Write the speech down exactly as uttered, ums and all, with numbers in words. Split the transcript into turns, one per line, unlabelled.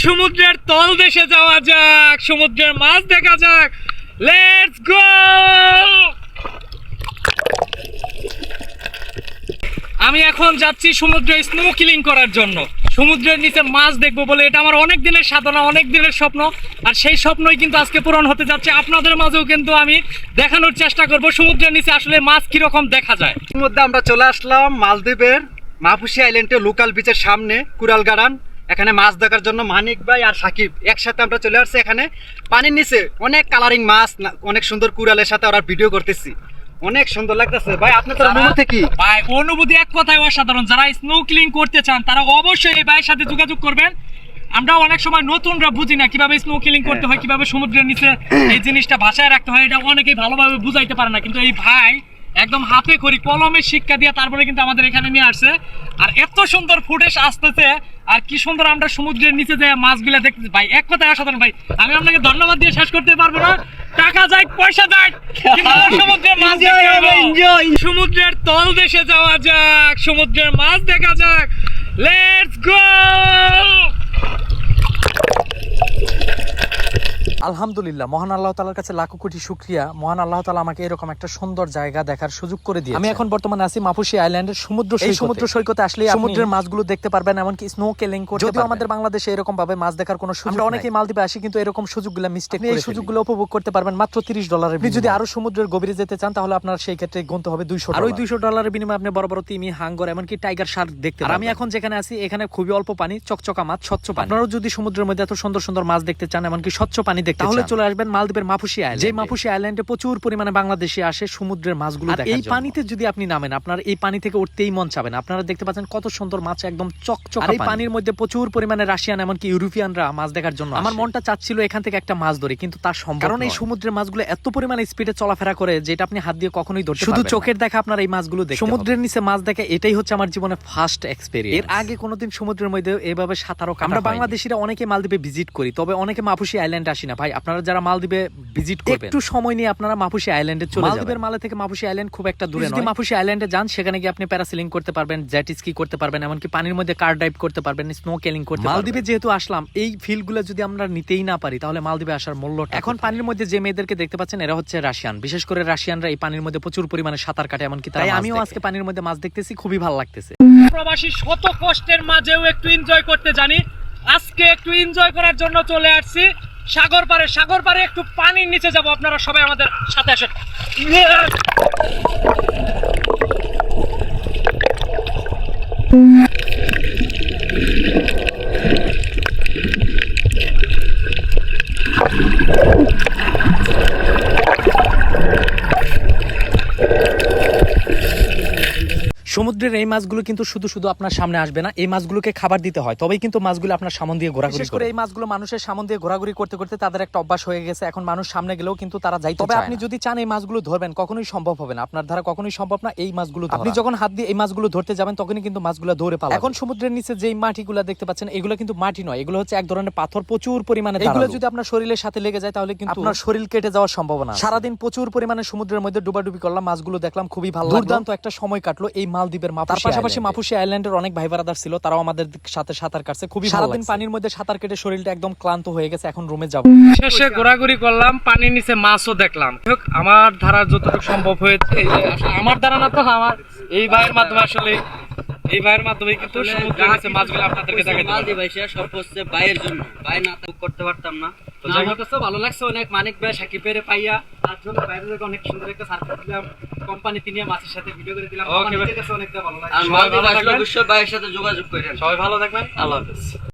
সমুদ্রের তল দেশে যাওয়া যাক, সমুদ্রের মাছ দেখা যাক। Let's go. আমি এখন যাচ্ছি সমুদ্রে স্নোকিলিং করার জন্য, সমুদ্রের নিচে মাছ দেখবো বলে। এটা আমার অনেক দিনের সাধনা, অনেক দিনের স্বপ্ন, আর সেই স্বপ্নই কিন্তু আজকে পূরণ হতে যাচ্ছে। আপনাদের মাঝেও কিন্তু আমি দেখানোর চেষ্টা করব সমুদ্রের নিচে আসলে মাছ কিরকম দেখা যায়।
এর মধ্যে আমরা চলে আসলাম মালদ্বীপের মাহফুসি আইল্যান্ডে, লোকাল বিচের সামনে কুরাল গার্ডেন। এখানে মাছ দেখার জন্য মানিক ভাই আর সাকিব একসাথে আমরা চলে আসছি। এখানে পানির নিচে অনেক কালারিং মাছ, অনেক সুন্দর কুরালের সাথে ওরা ভিডিও করতেছি, অনেক সুন্দর লাগতেছে। ভাই আপনাদের অনুভূতি কি?
ভাই অনুভূতি এক কথায় অসাধারণ। যারা স্নোকিলিং করতে চান তারা অবশ্যই এই ভাইয়ের সাথে যোগাযোগ করবেন। আমরা অনেক সময় নতুনরা বুঝি না কিভাবে স্নোকিলিং করতে হয়, কিভাবে সমুদ্রের নিচে এই জিনিসটা ভাষায় রাখতে হয়, এটা অনেকেই ভালোভাবে বুঝাইতে পারে না। কিন্তু এই ভাই একদম হাতে খড়ি কলমের শিক্ষা দিয়ে তারপরে কিন্তু আমাদের এখানে নিয়ে আসছে। আর এত সুন্দর ফুটেজ আসতেছে, আর কি সুন্দর আমরা সমুদ্রের নিচে যে মাছগুলা দেখতেছি। ভাই এক কথায় অসাধারণ। ভাই আমি আপনাকে ধন্যবাদ দিয়ে শেষ করতে পারবো না। টাকা যাই পয়সা যাই, সমুদ্রের মাছ সমুদ্রের তল দেশে যাওয়া যাক, সমুদ্রের মাছ দেখা যাক। Let's go.
আলহামদুলিল্লাহ, মহান আল্লাহ তাআলার কাছে লাখো কোটি শুকরিয়া। মহান আল্লাহ তাআলা আমাকে এরকম একটা সুন্দর জায়গা দেখার সুযোগ করে দিয়েছে। আমি এখন বর্তমানে আছি মাহফুসি আইল্যান্ডের সমুদ্র সৈকতে। এই সমুদ্র সৈকতে আসলে সমুদ্রের মাছগুলো দেখতে পারবেন, এমনকি স্নোকেলিং করতে পারবেন। যদিও আমাদের বাংলাদেশে এরকম ভাবে মাছ দেখার কোনো সুযোগ নাই, আমরা অনেকেই মালদ্বীপে আসি কিন্তু এরকম সুযোগগুলো মিস্টেক করে ফেলি। এই সুযোগগুলো উপভোগ করতে পারবেন মাত্র তিরিশ ডলারের। আপনি যদি আরো সমুদ্রের গভীরে যেতে চান তাহলে আপনার সেই ক্ষেত্রে গুনতে হবে দুইশো ডলার। আর ওই দুইশো ডলারের বিনিময়ে আপনি বড় বড় তিমি, হাঙ্গর, এমনকি টাইগার শার্ক দেখতে পারবেন। আর আমি এখন যেখানে আছি এখানে খুবই অল্প পানি, চকচকা মাছ, স্বচ্ছ পানি। আপনারাও যদি সমুদ্রের মধ্যে এত সুন্দর সুন্দর মাছ দেখতে চান, এমনকি স্বচ্ছ পানি দেখতে চান, তাহলে চলে আসবেন মালদ্বীপের মাহফুসি আইল্যান্ড। যে মাহফুসি আইল্যান্ডে প্রচুর পরিমাণে বাংলাদেশি আসে সমুদ্রের মাছগুলো দেখার জন্য। এই পানিতে যদি আপনি নামেন, আপনার এই পানি থেকে উঠতেই মন চাবে না। আপনারা দেখতে পাচ্ছেন কত সুন্দর মাছ, একদম চকচকা। আর এই পানির মধ্যে প্রচুর পরিমাণে রাশিয়ান, এমনকি ইউরোপিয়ানরা মাছ দেখার জন্য। আমার মনটা চাচ্ছিল এখান থেকে একটা মাছ ধরি, কিন্তু তার সম্ভব নয়। কারণ এই সমুদ্রের মাছগুলো এত পরিমাণে স্পিডে চলাফেরা করে যেটা আপনি হাত দিয়ে কখনোই ধরতে পারবেন না। শুধু চোখের দেখা আপনার এই মাছগুলো দেখতে। সমুদ্রের নিচে মাছ দেখা এটাই হচ্ছে আমার জীবনে ফার্স্ট এক্সপেরিয়েন্স। এর আগে কোনোদিন সমুদ্রের মধ্যে এভাবে সাঁতারও কাটা। আমরা বাংলাদেশিরা অনেকে মালদ্বীপে ভিজিট করি, তবে অনেকে মাহফুসি আইল্যান্ডে আসি না। ভাই আপনারা যারা মালদ্বীপে ভিজিট করবেন, একটু সময় নিয়ে আপনারা মাহফুসি আইল্যান্ডে চলে যাবেন। মালদ্বীপের মালে থেকে মাহফুসি আইল্যান্ড খুব একটা দূরে নয়। যদি মাহফুসি আইল্যান্ডে যান, সেখানে গিয়ে আপনি প্যারাসেলিং করতে পারবেন, জেট স্কি করতে পারবেন, এমনকি পানির মধ্যে কার ড্রাইভ করতে পারবেন, স্নোকেলিং করতে পারবেন। মালদ্বীপে যেহেতু আসলাম, এই ফিলগুলো যদি আমরা নিতেই না পারি তাহলে মালদ্বীপে আসার মূল্য। এখন পানির মধ্যে যে মেয়েদেরকে দেখতে পাচ্ছেন এরা হচ্ছে রাশিয়ান। বিশেষ করে রাশিয়ানরা এই পানির মধ্যে প্রচুর পরিমাণে সাঁতার কাটে, এমনকি তাই আমিও আজকে পানির মধ্যে মাছ দেখতেছি, খুবই ভালো লাগতেছে।
প্রবাসী শত কষ্টের মাঝেও একটু এনজয় করতে জানি। আজকে একটু এনজয় করার জন্য চলে আসছি সাগর পারে। সাগর পারে একটু পানির নিচে যাব, আপনারা সবাই আমাদের সাথে আসেন।
সমুদ্রের এই মাছগুলো কিন্তু শুধু শুধু আপনার সামনে আসবে না, এই মাছগুলোকে খাবার দিতে হয়, তবেই কিন্তু মাছগুলো আপনার সামন দিয়ে ঘোরাঘুরি করে। এই মাছগুলো মানুষের সামন দিয়ে ঘোরাঘুরি করতে করতে তাদের একটা অভ্যাস হয়ে গেছে, এখন মানুষ সামনে গেলেও কিন্তু তারা যাইতে চায় না। তবে আপনি যদি চান এই মাছগুলো ধরবেন, কখনোই সম্ভব হবে না, আপনার দ্বারা কখনোই সম্ভব না এই মাছগুলো ধরা। আপনি যখন হাত দিয়ে এই মাছগুলো ধরতে যাবেন তখনই কিন্তু মাছগুলো দৌড়ে পালাবে। এখন সমুদ্রের নিচে যেই মাটিগুলো দেখতে পাচ্ছেন, এগুলো কিন্তু মাটি নয়, এগুলো হচ্ছে এক ধরনের পাথর, প্রচুর পরিমাণে। এগুলো যদি আপনার শরীরের সাথে লেগে যায় তাহলে কিন্তু আপনার শরীর কেটে যাওয়ার সম্ভাবনা। সারাদিন প্রচুর পরিমাণে সমুদ্রের মধ্যে ডুবাডুবি করলাম, মাছগুলো দেখলাম, খুবই ভালো লাগলো। দুর্দান্ত একটা সময় কাটলো এই মালদ্বীপের মাহফুসি। তার পাশাপাশি মাহফুসি আইল্যান্ডের অনেক ভাই ব্রাদার ছিল, তারাও আমাদের সাথে সাঁতার কাটছে, খুবই ভালো লাগছে। সারাদিন পানির মধ্যে সাঁতার কেটে শরীরটা একদম ক্লান্ত হয়ে গেছে, এখন রুমে যাব।
শেষে ঘোরাঘুরি করলাম, পানির নিচে মাছও দেখলাম। আমার ধারা যতটুকু সম্ভব হয়েছে, আমার ধারা না তো আমার এই ভাইয়ের মাধ্যমে, আসলে এই ভাইয়ের মাধ্যমে কিন্তু সমুদ্রের নিচে মাছগুলো আপনাদেরকে দেখাতে পারবো।
ভাই সে সব হচ্ছে ভাইয়ের জন্য, ভাই না তো করতে পারতাম না। তো আমার কাছে ভালো লাগছে অনেক, মানিক ভাই সাকিবের পাইয়া তার জন্য বাইরে অনেক সুন্দর একটা সার্ভিস দিলাম, কোম্পানি তিনি মাছের সাথে ভিডিও করে দিলাম। আমার কাছে অনেকটা ভালো লাগছে। আর মালদ্বীপ আসলে অবশ্যই ভাইয়ের সাথে যোগাযোগ করেন।
সবাই ভালো থাকবেন, আল্লাহ হাফেজ।